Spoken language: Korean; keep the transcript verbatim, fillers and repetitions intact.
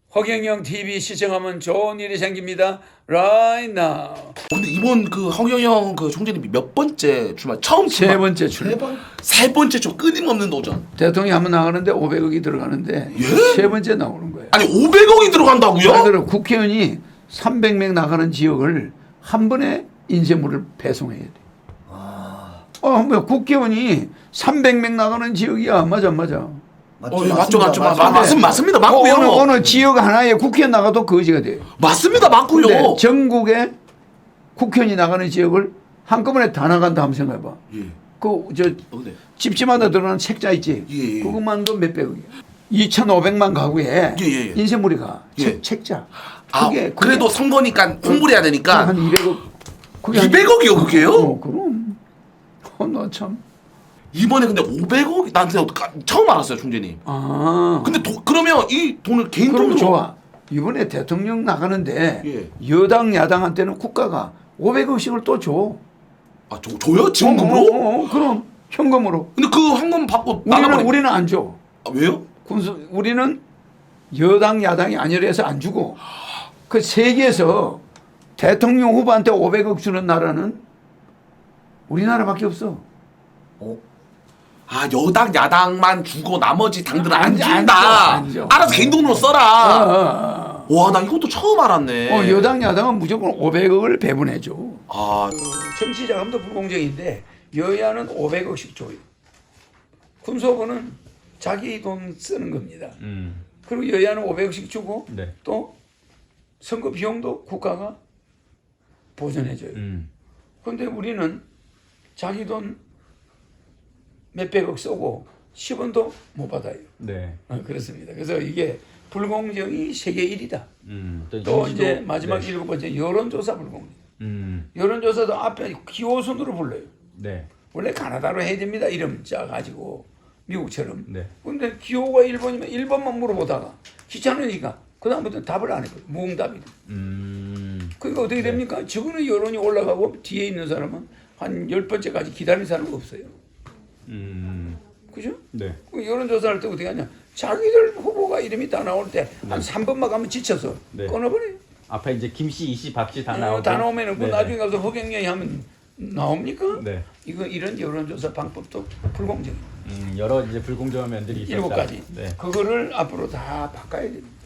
허경영 티비 시청하면 좋은 일이 생깁니다. Right now. 근데 이번 그 허경영 그 총재님이 몇 번째 출마? 처음 출마? 세 번째 출마. 세, 번? 세 번째 좀 끊임없는 도전. 대통령이 한번 나가는데 오백억이 들어가는데 예? 세 번째 나오는 거예요. 아니 오백억이 들어간다고요? 그래서 국회의원이 삼백 명 나가는 지역을 한 번에 인쇄물을 배송해야 돼. 아. 어, 뭐 국회의원이 삼백 명 나가는 지역이야. 맞아, 맞아. 맞죠, 어, 맞죠, 맞죠, 맞죠. 맞습니다, 맞습니다, 어, 맞고요. 어느, 어느 지역 하나에 국회의원 나가도 거지가 돼요. 맞습니다, 맞고요. 근데 전국에 국회의원이 나가는 지역을 한꺼번에 다 나간다 하면 생각해봐. 예. 그 저 어, 네. 집집마다 들어가는 책자 있지. 예, 예. 그것만도 몇백억이야. 이천오백만 가구에 예, 예, 예. 인쇄물이 가. 예. 책, 책자. 아, 그게, 그래도 그게 선거니까 홍보를 해야 되니까. 한 이백억. 그게 이백억이요, 그게요? 어, 그럼. 어, 너 참. 이번에 근데 오백억이 나한테 처음 알았어요, 총재님. 아. 근데 도, 그러면 이 돈을 개인 그럼 돈으로 좋아. 이번에 대통령 나가는데 예. 여당 야당한테는 국가가 오백억씩을 또 줘. 아, 저, 줘요? 지원금으로? 어, 어, 어, 그럼 현금으로. 근데 그 황금 받고 우리는 나가버리. 우리는 안 줘. 아, 왜요? 군수 우리는 여당 야당이 아니라서 안 주고 그 세계에서 대통령 후보한테 오백억 주는 나라는 우리나라밖에 없어. 어? 아, 여당 야당만 주고 나머지 당들은 안, 안 줘, 안 준다. 줘, 안 줘. 알아서 개인 돈으로 어, 써라. 어, 어. 와, 나 이것도 처음 알았네. 어, 여당 야당은 무조건 오백억을 배분해 줘. 아, 정치 자금도 불공정인데 여야는 오백억씩 줘요. 군수후보는 자기 돈 쓰는 겁니다. 음. 그리고 여야는 오백억씩 주고 네. 또 선거 비용도 국가가 보전해줘요. 음. 그런데 우리는 자기 돈 몇백억 쓰고 십 원도 못 받아요. 네. 어, 그렇습니다. 그래서 이게 불공정이 세계 일 위다. 음. 또 인지도- 이제 마지막 네. 일곱 번째 여론조사 불공정. 음. 여론조사도 앞에 기호순으로 불러요. 네. 원래 가나다로 해야 됩니다. 이름 짜가지고 미국처럼. 네. 근데 기호가 일 번이면 일 번만 물어보다가 귀찮으니까 그 다음부터 답을 안 했거든요. 무응답이다. 음. 그러니까 어떻게 됩니까? 저거는 여론이 올라가고 뒤에 있는 사람은 한 열 번째까지 기다리는 사람은 없어요. 음. 그죠? 네. 그 여론조사할 때 어떻게 하냐? 자기들 후보가 이름이 다 나올 때 한 삼 번만 가면 지쳐서 네. 끊어버려요. 앞에 이제 김씨, 이씨, 박씨 다 어, 나오고. 다 나오면은 그 네. 나중에 가서 허경영이 하면 나옵니까? 네. 이거 이런 여론조사 방법도 불공정해요. 음, 여러 이제 불공정한 면들이 있었다. 일곱 가지. 네. 그거를 앞으로 다 바꿔야 됩니다.